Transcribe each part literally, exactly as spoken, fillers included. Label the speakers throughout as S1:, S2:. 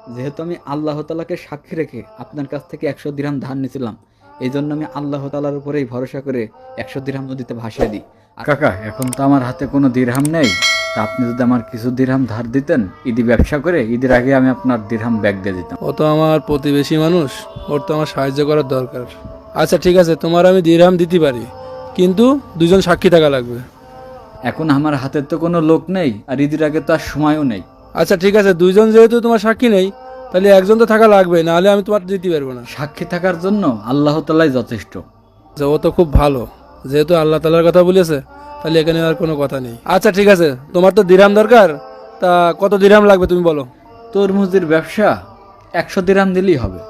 S1: যেহেতু আমি আল্লাহ তাআলাকে সাক্ষী রেখে আপনার কাছ থেকে একশো দিরহাম ধার নিয়েছিলাম, এই জন্য আমি আল্লাহ তাআলার উপরেই ভরসা করে একশো দিরহাম নদীতে ভাসিয়ে দিই। আর কাকা, এখন তো আমার হাতে কোনো দিরহাম নেই, তা আপনি যদি আমার কিছু দিরহাম ধার দিতেন, ঈদি ব্যবসা করে ঈদের আগে আমি আপনার দিরহাম ব্যাগ দিয়ে দিতাম।
S2: ও তো আমার প্রতিবেশী মানুষ, ওর তো আমার সাহায্য করার দরকার। আচ্ছা ঠিক আছে, তোমার আমি দিরহাম দিতে পারি, কিন্তু দুজন সাক্ষী থাকা লাগবে।
S1: এখন আমার হাতে তো কোনো লোক নেই, আর ঈদের আগে তো আর সময়ও নেই।
S2: আচ্ছা ঠিক আছে, দুইজন যেহেতু তোমার সাক্ষী নেই, তাহলে একজন তো থাকা লাগবে, নাহলে আমি তোমার দিতে পারবো না।
S1: সাক্ষী থাকার জন্য আল্লাহ তাআলাই যথেষ্ট।
S2: আচ্ছা, ও তো খুব ভালো, যেহেতু আল্লাহ তাআলার কথা বলেছে, তাহলে এখানে আর কোনো কথা নেই। আচ্ছা ঠিক আছে, তোমার তো দিরহাম দরকার, তা কত দিরহাম লাগবে তুমি বলো।
S1: তরমুজের ব্যবসা একশো দিরহাম দিলেই হবে।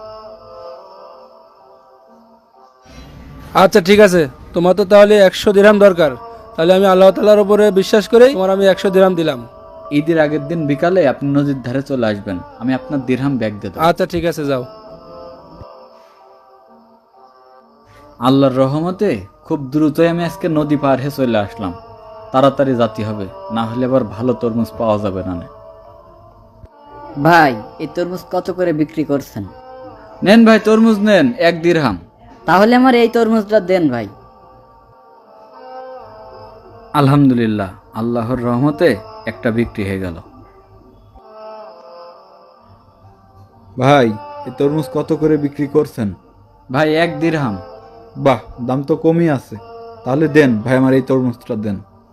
S2: আচ্ছা ঠিক আছে, তোমার তো তাহলে একশো দিরহাম দরকার, তাহলে আমি আল্লাহ তাআলার উপরে বিশ্বাস করে তোমার আমি একশো দিরহাম দিলাম।
S1: ঈদের আগের দিন বিকালে আপনি নদীর ধারে চলে আসবেন, আমি আপনার দিরহাম ব্যাগ দিয়ে দেব।
S2: আচ্ছা ঠিক আছে, যাও।
S1: আল্লাহর রহমতে খুব দ্রুতই আমি আজকে নদী পার হয়ে চলে আসলাম। তাড়াতাড়ি যেতে হবে, না হলে আবার ভালো তরমুজ পাওয়া যাবে না।
S3: ভাই, এই তরমুজ কত করে বিক্রি করছেন?
S1: নেন ভাই, তরমুজ নেন, এক দিরহাম।
S3: তাহলে আমার এই তরমুজটা দেন ভাই।
S1: আলহামদুলিল্লাহ, আল্লাহর রহমতে একটা বিক্রি হয়ে গেল।
S4: ভাই, এই তরমুজ কত করে বিক্রি করছেন?
S1: ভাই, এক দিরহাম।
S4: বাহ, দাম তো কমই আছে। তাহলে দেন ভাই, আমার এই তরমুজটা দেন।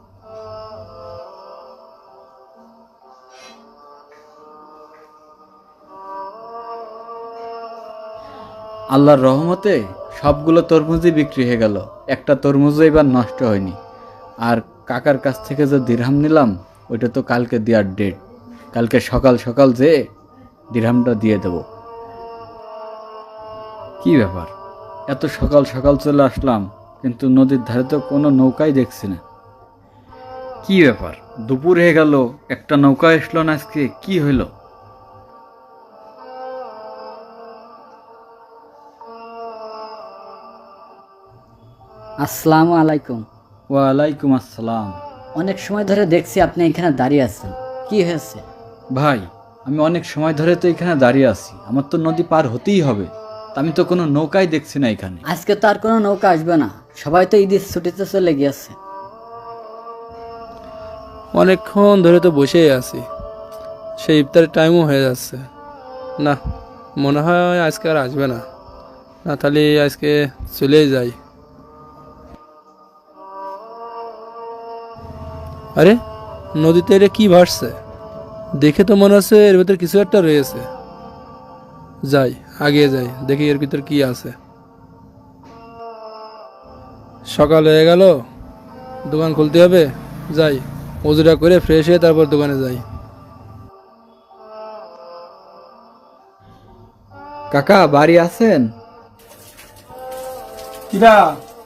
S1: আল্লাহর রহমতে সবগুলো তরমুজই বিক্রি হয়ে গেল, একটা তরমুজও এবার নষ্ট হয়নি। আর কাকার কাছ থেকে যে দিরহাম নিলাম, ওইটা তো কালকে দেওয়ার ডেট। কালকে সকাল সকাল যেয়ে দিরহামটা দিয়ে দেব। কি ব্যাপার, এত সকাল সকাল চলে আসলাম, কিন্তু নদীর ধারে তো কোনো নৌকাই দেখছি না। কি ব্যাপার, দুপুর হয়ে গেল, একটা নৌকা আসলো না আজকে, কি হইলো?
S3: আসসালামু আলাইকুম।
S1: ওয়ালাইকুম আসসালাম।
S3: অনেক সময় ধরে দেখছি আপনি এখানে দাঁড়িয়ে আছেন, কি হয়েছে?
S1: ভাই, আমি অনেক সময় ধরে তো এখানে দাঁড়িয়ে আছি, আমার তো নদী পার হতেই হবে, তা আমি তো কোনো নৌকাই দেখছি না এখানে।
S3: আজকে তো আর কোনো নৌকা আসবে না, সবাই তো ঈদের ছুটিতে চলে গিয়েছে।
S2: অনেকক্ষণ ধরে তো বসেই আছি, সেই ইফতারের টাইমও হয়ে যাচ্ছে। না, মনে হয় আজকে আর আসবে না। না, তাহলে আজকে চলেই যাই। আরে, নদীতে এটা কি ভাসছে? দেখে তো মনে হচ্ছে এর ভিতর কিছু একটা রয়েছে। যাই, আগে যাই, দেখি এর ভিতর কি আছে। সকাল হয়ে গেল, দোকান খুলতে হবে। যাই, ওজুরা করে ফ্রেশ হয়ে তারপর দোকানে যাই।
S1: কাকা, বাড়ি আছেন?
S2: কিরা,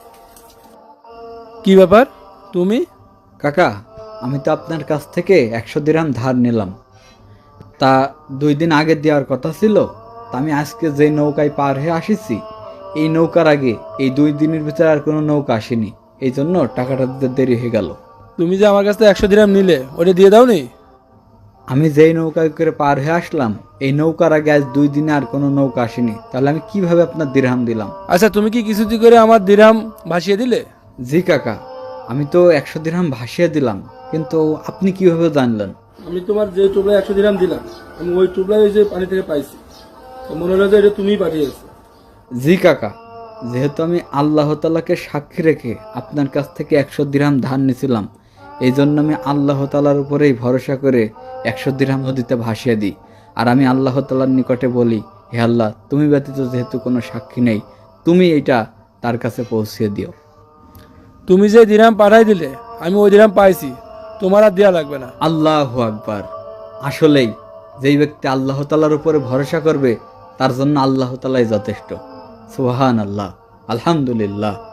S2: কি ব্যাপার তুমি?
S1: কাকা, আমি তো আপনার কাছ থেকে একশো দিরহাম ধার নিলাম, তা দুই দিন আগে দেওয়ার কথা ছিল। তা আমি আজকে যে নৌকায় পার হয়ে আসিছি, এই নৌকার আগে এই দুই দিনের ভিতরে আর কোনো নৌকা আসেনি, এই জন্য টাকাটা দিতে দেরি হয়ে গেল।
S2: তুমি যে আমার কাছ থেকে একশো দিরহাম নিলে, ওটা দিয়ে দাও নি?
S1: আমি যেই নৌকায় করে পার হয়ে আসলাম, এই নৌকার আগে আজ দুই দিনে আর কোনো নৌকা আসেনি, তাহলে আমি কিভাবে আপনার দিরহাম দিলাম?
S2: আচ্ছা, তুমি কি কিছুটি করে আমার দিরহাম ভাসিয়ে দিলে?
S1: জি কাকা, আমি তো একশো দিরহাম ভাসিয়ে দিলাম, কিন্তু আপনি কিভাবে জানলেন?
S2: আমি তোমার যে টুবলায় একশো দিরহাম দিলাম, আমি ওই টুবলায় ওই যে পানি থেকে পাইছি, তো মনে হলো যে এটা তুমিই পাঠিয়েছো।
S1: জি কাকা, যেহেতু আমি আল্লাহ তাআলাকে সাক্ষী রেখে আপনার কাছ থেকে একশো দিরহাম ধার নিয়েছিলাম, এই জন্য আমি আল্লাহ তাআলার উপরেই ভরসা করে একশো দিরহাম নদীতে ভাসিয়ে দিই। আর আমি আল্লাহ তাআলার নিকটে বলি, হে আল্লাহ, তুমি ব্যতীত যেহেতু কোনো সাক্ষী নেই, তুমি এটা তার কাছে পৌঁছিয়ে দিও।
S2: তুমি যে দিরহাম পাঠাই দিলে, আমি ওই দিরহাম পাইছি, তোমার আর দেওয়া লাগবে না।
S1: আল্লাহু আকবার। আসলেই যেই ব্যক্তি আল্লাহ তাআলার উপরে ভরসা করবে, তার জন্য আল্লাহ তাআলাই যথেষ্ট। সুবহানাল্লাহ, আলহামদুলিল্লাহ।